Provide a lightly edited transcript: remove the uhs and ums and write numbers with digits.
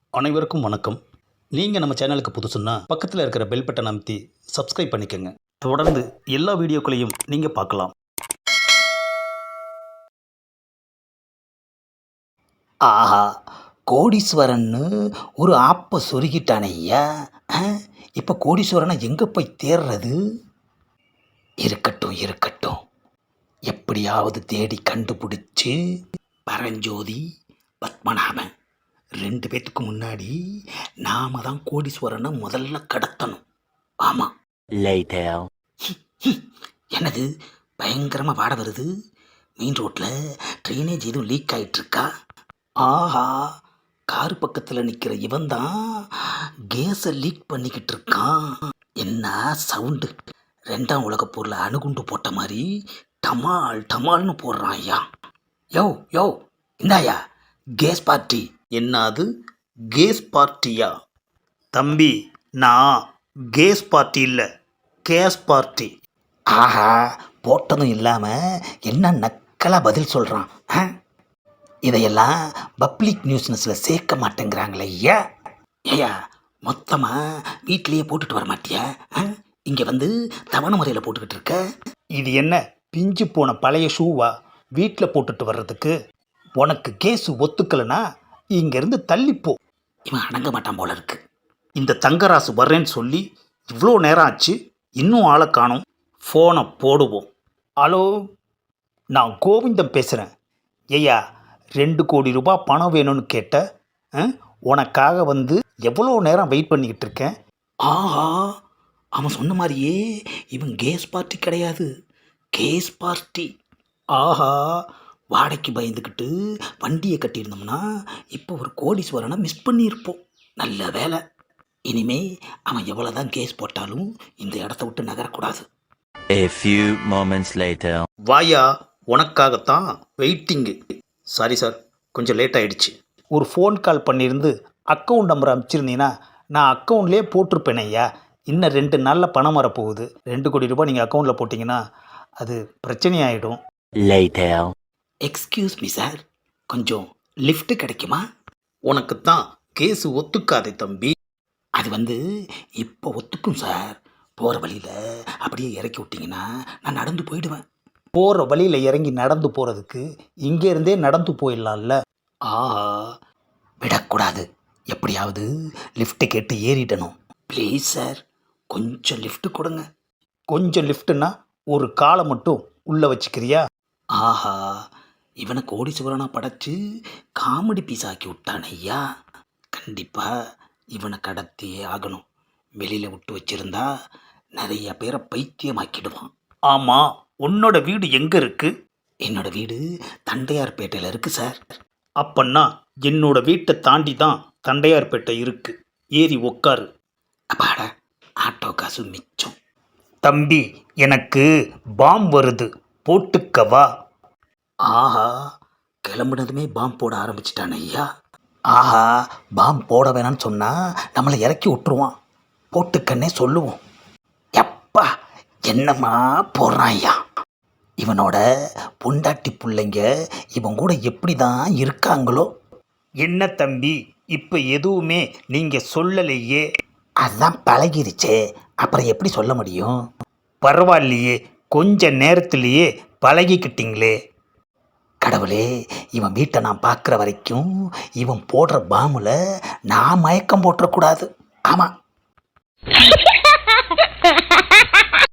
அனைவருக்கும் வணக்கம். நீங்கள் நம்ம சேனலுக்கு புதுசுன்னா பக்கத்தில் இருக்கிற பெல் பட்டனை அமைத்தி சப்ஸ்கிரைப் பண்ணிக்கோங்க. தொடர்ந்து எல்லா வீடியோக்களையும் நீங்கள் பார்க்கலாம். ஆஹா, கோடீஸ்வரன்னு ஒரு ஆப்பை சொருகிட்டானே ஐயா. இப்போ கோடீஸ்வரனை எங்கே போய் தேடுறது? இருக்கட்டும் இருக்கட்டும், எப்படியாவது தேடி கண்டுபிடிச்சு பரஞ்சோதி, பத்மநாபன் 2 பேத்துக்கு முன்னாடி நாம தான் கோடீஸ்வரனை முதல்ல கடத்தணும். ஆமாம். என்னது பயங்கரமாக வாட வருது? மெயின் ரோட்டில் ட்ரைனேஜ் எதுவும் லீக் ஆகிட்டுருக்கா? ஆஹா, கார் பக்கத்தில் நிற்கிற இவன் தான் கேஸை லீக் பண்ணிக்கிட்டு இருக்கான். என்ன சவுண்டு! 2ஆம் உலகப் போரில் அணுகுண்டு போட்ட மாதிரி டமால் டமால்னு போடுறான் ஐயா. யோ யோ, இந்தாயா கேஸ் பார்ட்டி. என்னது கேஸ் பார்ட்டியா? தம்பி, நான் கேஸ் பார்ட்டி இல்லை, கேஸ் பார்ட்டி. ஆஹா, போட்டதும் இல்லாமல் என்ன நக்கலாக பதில் சொல்கிறான். இதையெல்லாம் பப்ளிக் நியூஸ்னஸில் சேர்க்க மாட்டேங்கிறாங்களே ஐயா. ஐயா, மொத்தமாக வீட்டிலையே போட்டுட்டு வர மாட்டியா? இங்கே வந்து தவணை முறையில் போட்டுக்கிட்டு இருக்க. இது என்ன பிஞ்சு போன பழைய ஷூவா வீட்டில் போட்டுட்டு வர்றதுக்கு? உனக்கு கேஸு ஒத்துக்கலைன்னா இங்கேருந்து தள்ளிப்போ. இவன் அடங்க மாட்டான் போல இருக்கு. இந்த தங்கராசு வர்றேன்னு சொல்லி இவ்வளோ நேரம் ஆச்சு, இன்னும் ஆளை காணோம். ஃபோனை போடுவோம். ஹலோ, நான் கோவிந்தம் பேசுகிறேன். ஐயா, 2 கோடி ரூபாய் பணம் வேணும்னு கேட்ட, உனக்காக வந்து எவ்வளோ நேரம் வெயிட் பண்ணிக்கிட்டு இருக்கேன். ஆஹா, அவன் சொன்ன மாதிரியே இவன் கேஸ் பார்ட்டி கிடையாது, கேஸ் பார்ட்டி. ஆஹா, வாடகைக்கு பயந்துக்கிட்டு வண்டியை கட்டியிருந்தோம்னா இப்போ ஒரு கோடீஸ்வரனை மிஸ் பண்ணியிருப்போம். நல்ல வேலை. இனிமே அவன் எவ்வளோ தான் கேஸ் போட்டாலும் இந்த இடத்த விட்டு நகரக்கூடாது. A few moments later. வாயா, உனக்காகத்தான் வெயிட்டிங்கு. சாரி சார், கொஞ்சம் லேட் ஆகிடுச்சு. ஒரு ஃபோன் கால் பண்ணியிருந்து அக்கௌண்ட் நம்பர் அனுப்பிச்சிருந்தீங்கன்னா நான் அக்கௌண்ட்லேயே போட்டிருப்பேனே ஐயா. இன்னும் 2 நாளில் பணம் வரப்போகுது. 2 கோடி ரூபாய் நீங்கள் அக்கௌண்ட்டில் போட்டிங்கன்னா அது பிரச்சனையாயிடும். Later. எக்ஸ்கியூஸ் மீ சார், கொஞ்சம் லிஃப்ட் கிடைக்குமா? உனக்குத்தான் கேஸு ஒத்துக்காதே தம்பி. அது வந்து இப்போ ஒத்துக்கும் சார். போகிற வழியில் அப்படியே இறக்கி விட்டிங்கன்னா நான் நடந்து போயிடுவேன். போகிற வழியில் இறங்கி நடந்து போகிறதுக்கு இங்கேருந்தே நடந்து போயிடலாம்ல. ஆஹா, விடக்கூடாது. எப்படியாவது லிஃப்ட்டு கேட்டு ஏறிடணும். ப்ளீஸ் சார், கொஞ்சம் லிஃப்ட்டு கொடுங்க. கொஞ்சம் லிஃப்ட்டுன்னா ஒரு காலை மட்டும் உள்ளே வச்சுக்கிறியா? ஆஹா, இவனை கோடீஸ்வரனா படைச்சு காமெடி பீஸ் ஆக்கி விட்டான் ஐயா. கண்டிப்பாக இவனை கடத்தியே ஆகணும். வெளியில் விட்டு வச்சிருந்தா நிறைய பேரை பைத்தியமாக்கிடுவான். ஆமாம், உன்னோட வீடு எங்கே இருக்குது? என்னோட வீடு தண்டையார்பேட்டையில் இருக்குது சார். அப்பன்னா என்னோட வீட்டை தாண்டி தான் தண்டையார்பேட்டை இருக்குது. ஏறி உக்காரு. அப்பாடா, ஆட்டோ காசு மிச்சம். தம்பி, எனக்கு பாம் வருது, போட்டுக்கவா? ஆஹா, கிளம்புனதுமே பாம் போட ஆரம்பிச்சிட்டான் ஐயா. ஆஹா, பாம் போட வேணான்னு சொன்னால் நம்மளை இறக்கி விட்டுருவான். போட்டுக்கன்னே சொல்லுவோம். எப்பா, என்னம்மா போடுறான் ஐயா. இவனோட பொண்டாட்டி பிள்ளைங்க இவன் கூட எப்படி தான் இருக்காங்களோ. என்ன தம்பி, இப்போ எதுவுமே நீங்கள் சொல்லலையே. அதுதான் பழகிருச்சே, அப்புறம் எப்படி சொல்ல முடியும்? பரவாயில்லையே, கொஞ்ச நேரத்திலேயே பழகிக்கிட்டீங்களே. கடவுளே, இவன் வீட்டை நான் பார்க்குற வரைக்கும் இவன் போடுற பாம்பில் நான் மயக்கம் போட்டுறக்கூடாது. ஆமாம்.